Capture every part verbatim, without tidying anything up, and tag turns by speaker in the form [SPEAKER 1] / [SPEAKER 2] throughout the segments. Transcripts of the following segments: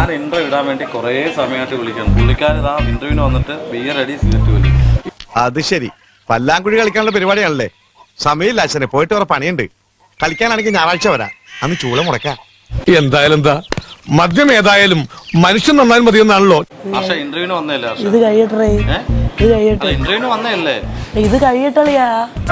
[SPEAKER 1] ഞാൻ ഇന്റർവ്യൂ ഇടാൻ വേണ്ടി കുറേ സമയമായിട്ട് വിളിക്കണം. പുള്ളിക്കാരൻ ഇതാ ഇന്റർവ്യൂവിന് വന്നിട്ട് ബിയർ അടി സിഗരറ്റ് വലി.
[SPEAKER 2] അത് ശരി, പല്ലാങ്കുഴി കളിക്കാനുള്ള പരിപാടിയാണല്ലേ? സമയമില്ല അച്ഛനെ, പോയിട്ട് വേറെ പണിയുണ്ട്. കളിക്കാനാണെങ്കിൽ ഞായറാഴ്ച വരാം, അന്ന് ചൂള മുടക്കാം.
[SPEAKER 3] എന്തായാലും എന്താ മദ്യം ഏതായാലും മനുഷ്യൻ നന്നായി മതിയെന്നാണല്ലോ.
[SPEAKER 1] പക്ഷെ ഇന്റർവ്യൂവിന് വന്നല്ലേ?
[SPEAKER 4] ഇത് കഴിയട്ടെ, ഇത് കഴിയട്ടെ.
[SPEAKER 1] ഇന്റർവ്യൂവിന് വന്നല്ലേ?
[SPEAKER 4] ഇത് കഴിയട്ടളിയാ.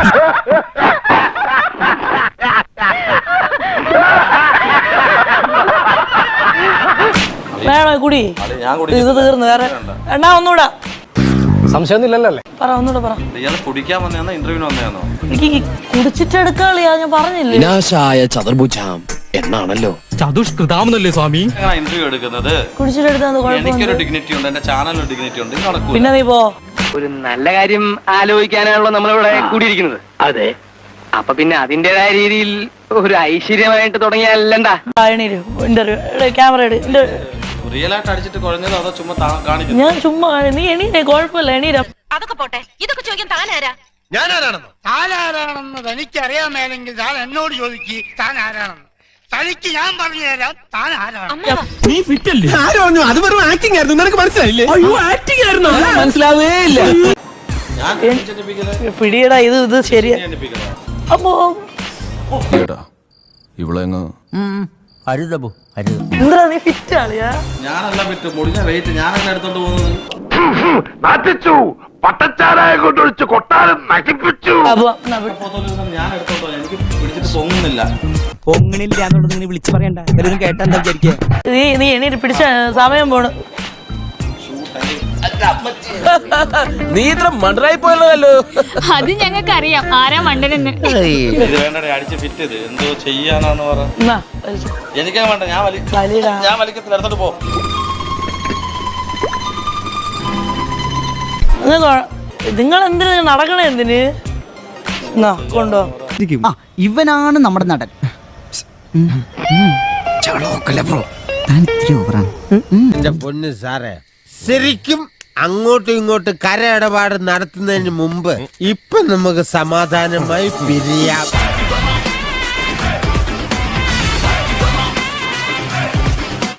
[SPEAKER 4] വേണോ കുടി? ഇത് തീർന്നു, വേറെ എണ്ണ ഒന്നുകൂടാ.
[SPEAKER 5] സംശയമൊന്നുമില്ലല്ലേ?
[SPEAKER 4] പറ, ഒന്നുകൂടെ പറ.
[SPEAKER 1] ഇയാൾ കുടിക്കാൻ വന്നതാണോ ഇന്റർവ്യൂവിന് വന്നതാണോ?
[SPEAKER 4] എനിക്ക് കുടിച്ചിട്ടെടുക്കളിയാ, ഞാൻ പറഞ്ഞില്ലേ.
[SPEAKER 6] വിനാശായ ചതുർഭുജാം എന്നാണല്ലോ.
[SPEAKER 5] ചതുഷ്കൃതാമെന്നല്ലേ സ്വാമി
[SPEAKER 1] ഇന്റർവ്യൂ എടുക്കുന്നത്?
[SPEAKER 4] കുടിച്ചിട്ടെടുത്താൽ
[SPEAKER 1] എനിക്കൊരു ഡിഗ്നിറ്റി ഉണ്ട്, എന്റെ ചാനലിന് ഡിഗ്നിറ്റി ഉണ്ട്. ഇത് നടക്കൂല.
[SPEAKER 4] പിന്നെ നീ പോ.
[SPEAKER 7] ഒരു നല്ല കാര്യം ആലോചിക്കാനാണല്ലോ നമ്മളിവിടെ കൂടിയിരിക്കുന്നത്. അതെ, അപ്പൊ പിന്നെ അതിന്റേതായ രീതിയിൽ ഒരു ഐശ്വര്യമായിട്ട് തുടങ്ങിയല്ലണ്ടാ.
[SPEAKER 4] ഇന്റർവ്യൂ ക്യാമറ എടു.
[SPEAKER 1] റിയൽ ആയിട്ട് അടിച്ചിട്ട് കുഴഞ്ഞത് അതോ ചുമ്മാ കാണിക്കുന്നു?
[SPEAKER 4] ഞാൻ ചുമ്മാ, നീ എണീരെ, കുഴപ്പമില്ല, എണീര.
[SPEAKER 8] അതൊക്കെ പോട്ടെ, ഇതൊക്കെ ചോദിക്കാൻ താനാരാ?
[SPEAKER 9] ഞാനാരാണെന്നോ? താനാരാണെന്ന് തനിക്കറിയാമേലെങ്കിൽ താൻ എന്നോട് ചോദിക്ക് താൻ ആരാണെന്ന്. തനിക്ക് ഞാൻ പറഞ്ഞു തരാം താൻ ആരാണ്.
[SPEAKER 5] നീ ഫിറ്റല്ലേ? ആരോ അത് വെറും ആക്ടിംഗ് ആയിരുന്നു, നിനക്ക് മനസ്സിലായില്ലേ? അയ്യോ, ആക്ടിംഗ് ആയിരുന്നു, മനസ്സിലാവേ ഇല്ല.
[SPEAKER 4] പിടിയടാ, ഇത് ഇത് ശരിയാ. അപ്പോ
[SPEAKER 10] ഇവളെങ്ങ്
[SPEAKER 4] എന്താ നീ ഫിറ്റ് ആളിയാ?
[SPEAKER 1] ഞാനല്ല ഫിറ്റ്, മുടിഞ്ഞ വെയിറ്റ് ഞാനല്ല എടുത്തോണ്ട് പോകുന്നത്.
[SPEAKER 2] പട്ടച്ചാരായ കൊണ്ടൊഴിച്ച് കൊട്ടാരം നശിപ്പിച്ചു.
[SPEAKER 1] ഞാൻ എടുത്തോണ്ടോ? എനിക്ക് പിടിച്ചിട്ട് പൊങ്ങുന്നില്ല.
[SPEAKER 5] പൊങ്ങണില്ല എന്നുള്ളത് നീ വിളിച്ചു പറയണ്ട, എല്ലാവരും കേട്ടാ എന്താ വിചാരിക്കുക?
[SPEAKER 4] നീ നീ എണീറ്റ് പിടിച്ച സമയം പോണ്.
[SPEAKER 6] നീ ഇത്ര മണ്ടറായി പോയല്ലോ.
[SPEAKER 8] അത് ഞങ്ങൾക്ക് അറിയാം ആരാ മണ്ടനെന്ന്.
[SPEAKER 1] ഇത് വേണ്ടേ അടിച്ച് ഫിറ്റ് ചെയ്ത് എന്തോ ചെയ്യാനാന്ന് പറ. എനിക്കാ വേണ്ട, ഞാൻ വലി ഞാൻ വലിക്കത്തില്ല, എടുത്തോട്ട് പോ.
[SPEAKER 4] നിങ്ങൾ എന്തിന് നടക്കണേ? എന്തിന് കൊണ്ടോ?
[SPEAKER 5] ഇവനാണ് നമ്മുടെ നടൻ.
[SPEAKER 9] എന്റെ പൊന്ന് സാറേ, ശരിക്കും അങ്ങോട്ടും ഇങ്ങോട്ടും കര ഇടപാട് നടത്തുന്നതിന് മുമ്പ് ഇപ്പൊ നമുക്ക് സമാധാനമായി പിരിയാം.